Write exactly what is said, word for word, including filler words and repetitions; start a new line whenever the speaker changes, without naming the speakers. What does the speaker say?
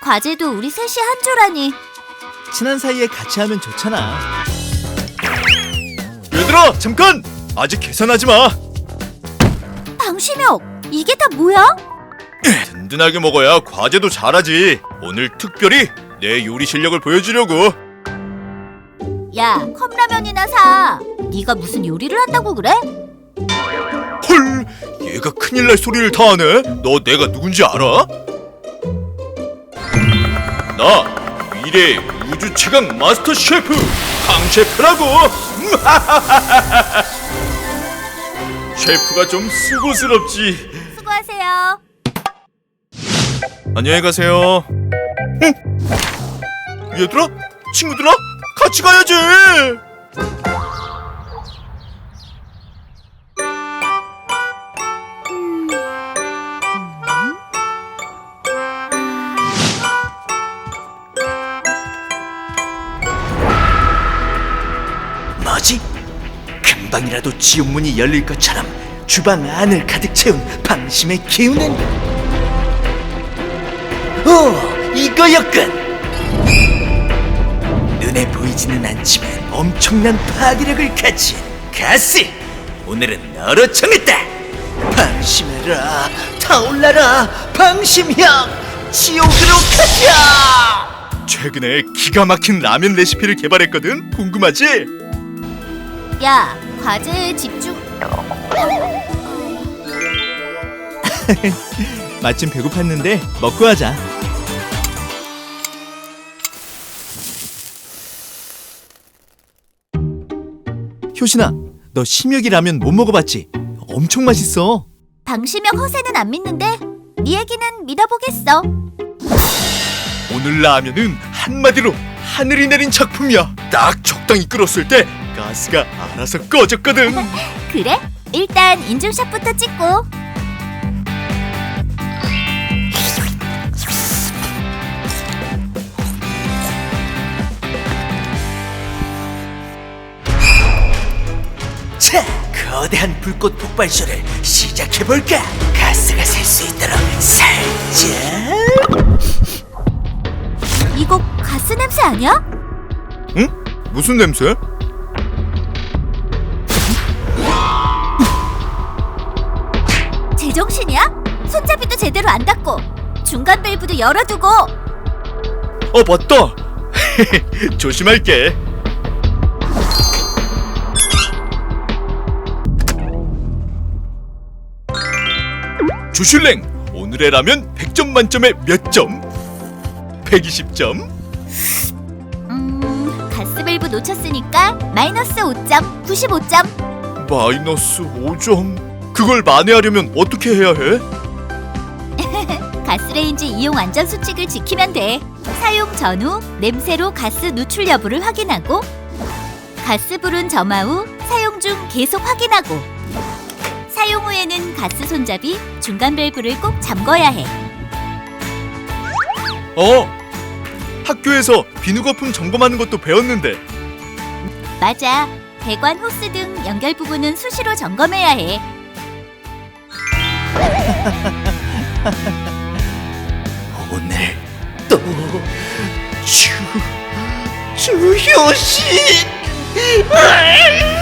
과제도 우리 셋이 한 조라니.
친한 사이에 같이 하면 좋잖아. 얘들아, 잠깐! 아직 계산하지 마.
방심혁, 이게 다 뭐야?
든든하게 먹어야 과제도 잘하지. 오늘 특별히 내 요리 실력을 보여주려고.
야, 컵라면이나 사. 네가 무슨 요리를 한다고 그래?
헐, 얘가 큰일 날 소리를 다 하네. 너 내가 누군지 알아? 나 미래의 우주 최강 마스터 셰프 강 셰프라고. 셰프가 좀 수고스럽지.
수고하세요.
안녕히 가세요. 응? 얘들아, 친구들아, 같이 가야지. 뭐지? 금방이라도 지옥문이 열릴 것처럼 주방 안을 가득 채운 방심의 기운은. 오, 이거였군. 눈에 보이지는 않지만 엄청난 파괴력을 가진 가스. 오늘은 너로 정했다. 방심해라, 타올라라, 방심형, 지옥으로 가자. 최근에 기가 막힌 라면 레시피를 개발했거든. 궁금하지?
야, 과제에 집중.
마침 배고팠는데 먹고 하자. 효신아, 너 심혁이 라면 못 먹어봤지? 엄청 맛있어.
방심혁 허세는 안 믿는데 네 얘기는 믿어보겠어.
오늘 라면은 한마디로 하늘이 내린 작품이야. 딱 적당히 끓었을 때 가스가 알아서 꺼졌거든.
그래? 일단 인증샷부터 찍고.
자, 거대한 불꽃 폭발쇼를 시작해볼까? 가스가 셀 수 있도록 살짝.
이거 가스 냄새 아니야?
응? 무슨 냄새?
제정신이야? 손잡이도 제대로 안 닫고 중간 밸브도 열어두고.
어, 맞다. 조심할게. 주슐랭, 오늘의 라면 백 점 만점에 몇 점? 백이십 점?
음... 가스 밸브 놓쳤으니까 마이너스 오 점, 구십오 점.
마이너스 오 점? 그걸 만회하려면 어떻게 해야 해?
가스레인지 이용 안전 수칙을 지키면 돼. 사용 전후 냄새로 가스 누출 여부를 확인하고, 가스불은 점화 후 사용 중 계속 확인하고, 사용 후에는 가스 손잡이 중간 밸브를 꼭 잠궈야 해.
어, 학교에서 비누 거품 점검하는 것도 배웠는데.
맞아. 배관, 호스 등 연결 부분은 수시로 점검해야 해.
오늘 또 주, 주효신.